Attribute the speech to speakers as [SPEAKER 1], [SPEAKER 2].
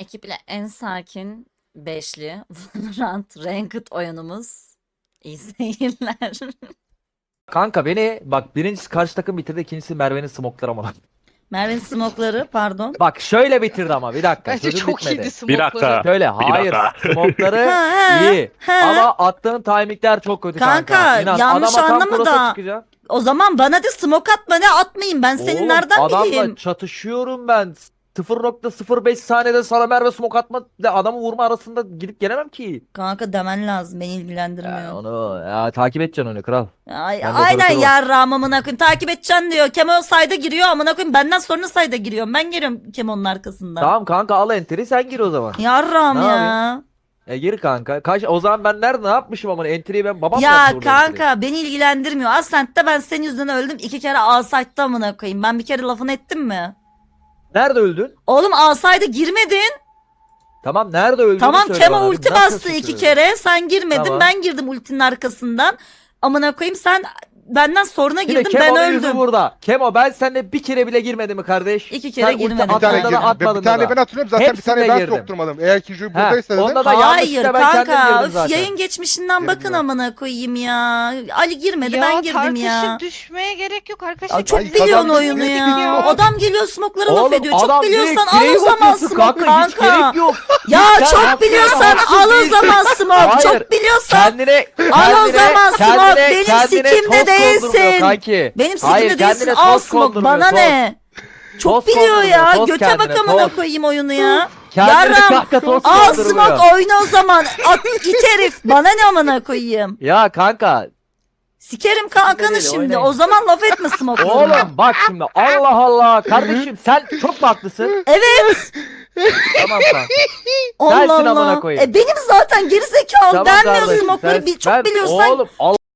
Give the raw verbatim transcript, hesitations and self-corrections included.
[SPEAKER 1] Ekiple en sakin beşli Valorant Ranked oyunumuz. İyi seyirler.
[SPEAKER 2] Kanka beni bak birincisi karşı takım bitirdi, ikincisi Merve'nin smokları ama.
[SPEAKER 1] Merve'nin smokları pardon.
[SPEAKER 2] Bak şöyle bitirdi ama bir dakika.
[SPEAKER 3] Bence
[SPEAKER 2] sözüm
[SPEAKER 3] çok
[SPEAKER 2] bitmedi.
[SPEAKER 3] iyiydi
[SPEAKER 4] Bir
[SPEAKER 3] smoke'ları.
[SPEAKER 4] dakika.
[SPEAKER 2] Şöyle hayır smokları
[SPEAKER 1] Ha, ha,
[SPEAKER 2] iyi
[SPEAKER 1] ha.
[SPEAKER 2] ama attığın timingler çok kötü kanka.
[SPEAKER 1] Kanka,
[SPEAKER 2] İnan,
[SPEAKER 1] yanlış
[SPEAKER 2] adama tam
[SPEAKER 1] anlama
[SPEAKER 2] cross'a
[SPEAKER 1] da.
[SPEAKER 2] çıkacağım.
[SPEAKER 1] O zaman bana de smoke atma ne atmayayım ben senin
[SPEAKER 2] Oğlum,
[SPEAKER 1] nereden
[SPEAKER 2] adamla
[SPEAKER 1] bileyim?
[SPEAKER 2] çatışıyorum ben. sıfır nokta sıfır beş saniyede sana Merve smoke atma ile adamı vurma arasında gidip gelemem ki.
[SPEAKER 1] Kanka demen lazım beni
[SPEAKER 2] Ya
[SPEAKER 1] ilgilendirmiyor.
[SPEAKER 2] onu ya, takip edeceksin onu kral.
[SPEAKER 1] Ay,
[SPEAKER 2] Ben de
[SPEAKER 1] aynen
[SPEAKER 2] operatörüm.
[SPEAKER 1] yarrağım amına koyayım takip edeceksin diyor. Kemal sayda giriyor amına koyayım benden sonra sayda giriyorum. Ben geliyorum Kemal'ın arkasından.
[SPEAKER 2] Tamam kanka al enteri sen gir o zaman.
[SPEAKER 1] Yarrağım
[SPEAKER 2] Ne
[SPEAKER 1] ya.
[SPEAKER 2] E gir kanka. Kaç o zaman ben nerede ne yapmışım ama entry'yi ben babam
[SPEAKER 1] Ya
[SPEAKER 2] yaptı orada entry'yi.
[SPEAKER 1] kanka beni ilgilendirmiyor. Ascent'te ben senin yüzünden öldüm. iki kere Asayt'ta amına koyayım. Ben bir kere lafını ettim mi?
[SPEAKER 2] Nerede öldün?
[SPEAKER 1] Oğlum Asayt'a girmedin.
[SPEAKER 2] Tamam nerede öldün?
[SPEAKER 1] Tamam
[SPEAKER 2] söyle
[SPEAKER 1] Kemal
[SPEAKER 2] bana.
[SPEAKER 1] ulti
[SPEAKER 2] Nasıl
[SPEAKER 1] bastı iki
[SPEAKER 2] suçluyorsun?
[SPEAKER 1] kere. Sen girmedin.
[SPEAKER 2] Tamam.
[SPEAKER 1] Ben girdim ultinin arkasından. Amına koyayım sen benden sonra
[SPEAKER 2] Yine
[SPEAKER 1] girdin ben
[SPEAKER 2] Kemo'nun yüzü
[SPEAKER 1] öldüm.
[SPEAKER 2] burada. Kemo ben seninle bir kere bile girmedim mi kardeş?
[SPEAKER 1] İki kere
[SPEAKER 2] Sen ulti
[SPEAKER 1] girmedim.
[SPEAKER 5] Bir tane
[SPEAKER 2] attığında da
[SPEAKER 5] girdim.
[SPEAKER 2] atmadın
[SPEAKER 5] Bir tane
[SPEAKER 2] da.
[SPEAKER 5] ben hatırlıyorum zaten bir
[SPEAKER 2] Hepsinde
[SPEAKER 5] tane ben
[SPEAKER 2] girdim.
[SPEAKER 5] sokturmadım. Eğer ki Ju
[SPEAKER 2] He,
[SPEAKER 5] buradaysa dedim.
[SPEAKER 2] onda da
[SPEAKER 1] Hayır
[SPEAKER 2] yanlışlıkla ben kendim
[SPEAKER 1] kanka.
[SPEAKER 2] girdim
[SPEAKER 1] Üf,
[SPEAKER 2] zaten.
[SPEAKER 1] yayın geçmişinden
[SPEAKER 5] Girdim
[SPEAKER 1] bakın
[SPEAKER 5] ben.
[SPEAKER 1] amına koyayım ya. Ali girmedi
[SPEAKER 3] Ya
[SPEAKER 1] ben girdim
[SPEAKER 3] tartışıp
[SPEAKER 1] ya.
[SPEAKER 3] düşmeye gerek yok arkadaşlar.
[SPEAKER 1] Ya çok
[SPEAKER 5] Ay,
[SPEAKER 1] biliyorsun
[SPEAKER 5] kazandık,
[SPEAKER 1] oyunu
[SPEAKER 5] yedik
[SPEAKER 1] ya.
[SPEAKER 3] ya.
[SPEAKER 1] Adam geliyor smoke'lara laf
[SPEAKER 2] Oğlum,
[SPEAKER 1] ediyor. Çok
[SPEAKER 2] adam
[SPEAKER 1] biliyorsan
[SPEAKER 2] direkt
[SPEAKER 1] al o
[SPEAKER 2] direği
[SPEAKER 1] zaman
[SPEAKER 2] bakıyorsun
[SPEAKER 1] smoke
[SPEAKER 2] Hiç gerek
[SPEAKER 1] kanka.
[SPEAKER 2] yok.
[SPEAKER 1] Ya
[SPEAKER 2] Sen
[SPEAKER 1] çok
[SPEAKER 2] hakkında
[SPEAKER 1] biliyorsan
[SPEAKER 2] haksız
[SPEAKER 1] al o
[SPEAKER 2] değilsin.
[SPEAKER 1] zaman smoke.
[SPEAKER 2] Hayır.
[SPEAKER 1] Çok biliyorsan
[SPEAKER 2] Kendine,
[SPEAKER 1] al o
[SPEAKER 2] kendine-
[SPEAKER 1] zaman smoke.
[SPEAKER 2] kendine-
[SPEAKER 1] Benim
[SPEAKER 2] kendine
[SPEAKER 1] sikimde
[SPEAKER 2] toz
[SPEAKER 1] değilsin.
[SPEAKER 2] kondurmuyor Kanki.
[SPEAKER 1] benim
[SPEAKER 2] Hayır,
[SPEAKER 1] sikimde değilsin
[SPEAKER 2] kendine
[SPEAKER 1] al
[SPEAKER 2] toz
[SPEAKER 1] smoke.
[SPEAKER 2] kondurmuyor,
[SPEAKER 1] Bana
[SPEAKER 2] toz.
[SPEAKER 1] ne? Çok
[SPEAKER 2] Toz
[SPEAKER 1] biliyor ya.
[SPEAKER 2] konduruyor, toz
[SPEAKER 1] Göte
[SPEAKER 2] kendine,
[SPEAKER 1] bak amına
[SPEAKER 2] toz.
[SPEAKER 1] koyayım oyunu ya.
[SPEAKER 2] Kendine
[SPEAKER 1] Yarram
[SPEAKER 2] kanka toz
[SPEAKER 1] al
[SPEAKER 2] kondurmuyor.
[SPEAKER 1] smoke oyna o zaman. At it herif. Bana ne amına koyayım.
[SPEAKER 2] Ya kanka
[SPEAKER 1] Sikerim kankanı
[SPEAKER 2] değil,
[SPEAKER 1] şimdi.
[SPEAKER 2] oynayın.
[SPEAKER 1] O zaman laf etme smoke'larına.
[SPEAKER 2] oğlum bak şimdi Allah Allah kardeşim sen çok mu haklısın?
[SPEAKER 1] Evet.
[SPEAKER 2] Tamam kanka.
[SPEAKER 1] Allah
[SPEAKER 2] Sensin amına
[SPEAKER 1] Allah.
[SPEAKER 2] koyayım.
[SPEAKER 1] E benim zaten geri zekalı
[SPEAKER 2] Tamam
[SPEAKER 1] denmiyor
[SPEAKER 2] kardeşim,
[SPEAKER 1] smoke'ları.
[SPEAKER 2] sen-
[SPEAKER 1] Bir çok
[SPEAKER 2] ben-
[SPEAKER 1] biliyorsan
[SPEAKER 2] Oğlum Allah